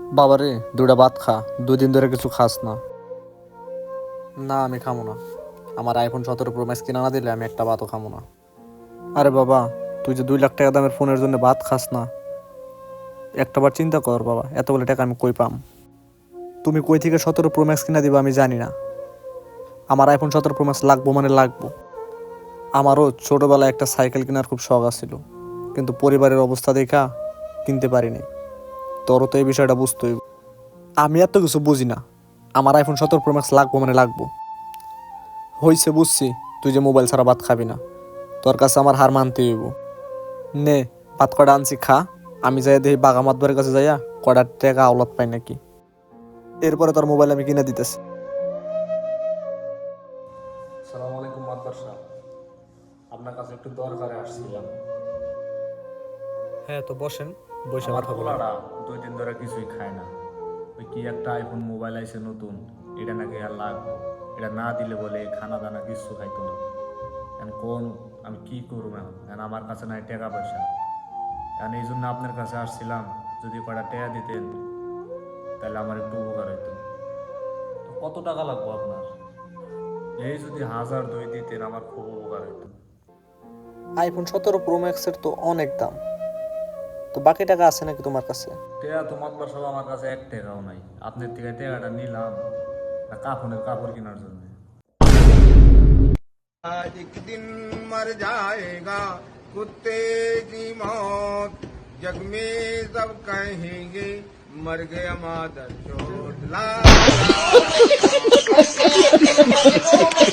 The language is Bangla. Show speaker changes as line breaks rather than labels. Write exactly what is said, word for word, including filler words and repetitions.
বাবারে দুইটা ভাত খা, দুই দিন ধরে কিছু খাস না। না আমি খামো না, আমার আইফোন সতেরো প্রো ম্যাক্স কিনা না দিলে আমি একটা ভাতও খামো না। আরে বাবা, তুই যে দুই লাখ টাকা দামের ফোনের জন্য ভাত খাস না, একটাবার চিন্তা কর বাবা, এতগুলো টাকা আমি কই পাম? তুমি কই থেকে সতেরো প্রো ম্যাক্স কিনা দিবা আমি জানি না, আমার আইফোন সতেরো প্রো ম্যাক্স লাগবো মানে লাগবো। আমারও ছোটবেলায় একটা সাইকেল কেনার খুব শখ আছিল, কিন্তু পরিবারের অবস্থা দেখা কিনতে পারিনি। তোরও তো এই বিষয়টা বুঝতে হইব। আমি এত কিছু বুঝি না, আমার আইফোন সতেরো প্রো ম্যাক্স লাগবো মানে লাগবো। হইছে বুঝছি, তুই যে মোবাইল ছাড়া ভাত খাবি না, তোর কাছে আমার হার মানতে হইব। নে ভাত কটা আনছি খা, আমি যাই দেখি বাঘা মাতবারের কাছে যাইয়া কটার টাকা আওলাদ পাই নাকি, এরপরে তোর মোবাইল আমি কিনে দিতেছি।
সালাম আলাইকুম মাতবার সাহেব, আপনার কাছে একটু দরকারে আসছিলাম।
হ্যাঁ তো বসেন, বসে
আমার
কথা বলেন।
পোলাটা দুই দিন ধরে কিছুই খায় না। ওই কি একটা আইফোন মোবাইল আইছে নতুন, এটা নাকি আর লাগবে, এটা না দিলে বলে খানা দানা কিছু খাইতো না। এখন কোন আমি কি করবো এখন, এখন আমার কাছে নাই টাকা পয়সা। এখন এই জন্য আপনার কাছে আসছিলাম, যদি কটা টাকা দিতেন তাহলে আমার একটু উপকার হইতো। তো কত টাকা লাগবে আপনার? এই যদি হাজার দুই দিতেন আমার খুব উপকার হইতো।
আইফোন সতেরো প্রো ম্যাক্সের তো অনেক দাম, তো বাকি টাকা আছে নাকি তোমার কাছে?
টেয়া তো মাতবার সব আমার কাছে এক টাকাও নাই। আপনার থেকে টেকাটা নিলাম না কাফনের কাপড় কেনার জন্য।
आज एक दिन मर जाएगा कुत्ते की मौत जग में सब कहेंगे मर गया मादर चोट ला